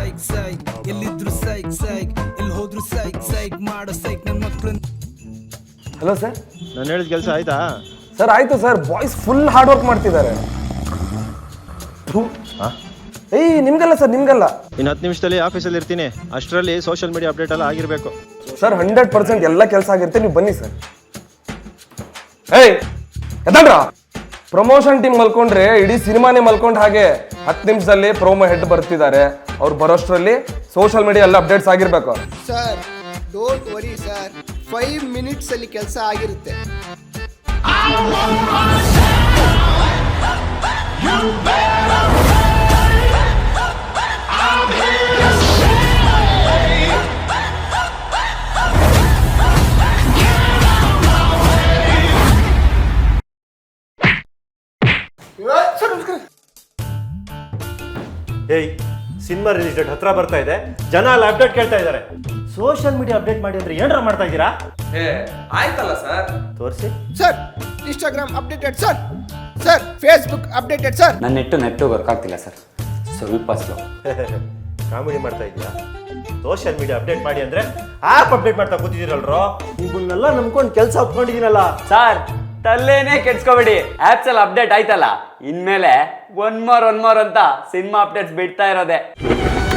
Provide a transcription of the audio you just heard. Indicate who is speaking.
Speaker 1: ಸೈಕ್ ಸೈಕ್ ಎಲ್ಲಿದ್ರು ಸೈಕ್ ಸೈಕ್ ಎಲ್ಲಿ ಹೋದ್ರು ಸೈಕ್ ಸೈಕ್ ಮಾಡೋ ಸೈಕ್ ನನ್ನ ಮಕ್ಕಳು.
Speaker 2: Hello sir.
Speaker 3: ನಾನು ಹೇಳಿದ ಕೆಲಸ ಆಯ್ತಾ?
Speaker 2: ಸರ್ ಆಯ್ತು sir, boys full hard work ಮಾಡ್ತಿದ್ದಾರೆ. ಏಯ್ ನಿಮ್ಗಲ್ಲ ಸರ್, ನಿಮ್ಗಲ್ಲ.
Speaker 3: ಇನ್ನು 10 ನಿಮಿಷದಲ್ಲಿ ಆಫೀಸಲ್ಲಿ ಇರ್ತೀನಿ. ಅಷ್ಟರಲ್ಲಿ ಸೋಷಿಯಲ್ ಮೀಡಿಯಾ ಅಪ್ಡೇಟ್ ಎಲ್ಲ ಆಗಿರಬೇಕು
Speaker 2: ಸರ್. 100% ಎಲ್ಲ ಕೆಲಸ ಆಗಿರುತ್ತೆ, ನೀವು ಬನ್ನಿ ಸರ್. ಏಯ್ ಎದಲ್ರ, ಪ್ರಮೋಷನ್ ಟೀಮ್ ಮಲ್ಕೊಂಡ್ರೆ ಇಡೀ ಸಿನಿಮಾನೇ ಮಲ್ಕೊಂಡ್ ಹಾಗೆ. 10 ನಿಮಿಷದಲ್ಲಿ ಪ್ರೋಮೋ ಹೆಡ್ ಬರ್ತಿದ್ದಾರೆ. ಅವ್ರು ಬರೋಷ್ಟರಲ್ಲಿ ಸೋಷಿಯಲ್ ಮೀಡಿಯಾ ಎಲ್ಲ ಅಪ್ಡೇಟ್ಸ್ ಆಗಿರ್ಬೇಕು.
Speaker 4: Sir don't worry sir, 5 minutes ಅಲ್ಲಿ ಕೆಲಸ ಆಗಿರುತ್ತೆ.
Speaker 5: ಏಯ್, ಸಿನಿಮಾ ರಿಲೀಸ್ ಡೇಟ್ ಹತ್ರ ಬರ್ತಾ ಇದೆ, ಜನ ಎಲ್ಲ ಅಪ್ಡೇಟ್ ಕೇಳ್ತಾ ಇದ್ದಾರೆ. ಸೋಷಿಯಲ್ ಮೀಡಿಯಾ ಅಪ್ಡೇಟ್ ಮಾಡಿ ಅಂದ್ರೆ ಏನಾರ ಮಾಡ್ತಾ ಇದ್ದೀರಾ?
Speaker 2: ಆಯ್ತಲ್ಲ ಸರ್,
Speaker 5: ತೋರಿಸಿ.
Speaker 4: Sir Instagram updated sir, sir Facebook updated sir.
Speaker 6: ನನ್ನ ನೆಟ್ಟು ವರ್ಕ್ ಆಗ್ತಿಲ್ಲ ಸರ್, ಸ್ವಲ್ಪ ಸ್ಲೋ.
Speaker 5: ಕಾಮಿಡಿ ಮಾಡ್ತಾ ಇದೀಯಾ? ಸೋಷಿಯಲ್ ಮೀಡಿಯಾ ಅಪ್ಡೇಟ್ ಮಾಡಿ ಅಂದ್ರೆ ಆಪ್ ಅಪ್ಡೇಟ್ ಮಾಡ್ತಾ ಕೂತಿದ್ದೀರಲ್ರೋ. ನಿಮ್ಮನ್ನೆಲ್ಲ ನಂಬ್ಕೊಂಡು ಕೆಲಸ ಒಪ್ಕೊಂಡಿದ್ದೀನಲ್ಲ
Speaker 6: ಸರ್. ತಲ್ಲೇನೆ ಕೆಡ್ಸ್ಕೊಬೇಡಿ, ಆಪ್ಸ್ ಎಲ್ಲ ಅಪ್ಡೇಟ್ ಆಯ್ತಲ್ಲ, ಇನ್ಮೇಲೆ ಒನ್ ಮೋರ್ ಅಂತ ಸಿನಿಮಾ ಅಪ್ಡೇಟ್ಸ್ ಬಿಡ್ತಾ ಇರೋದೆ.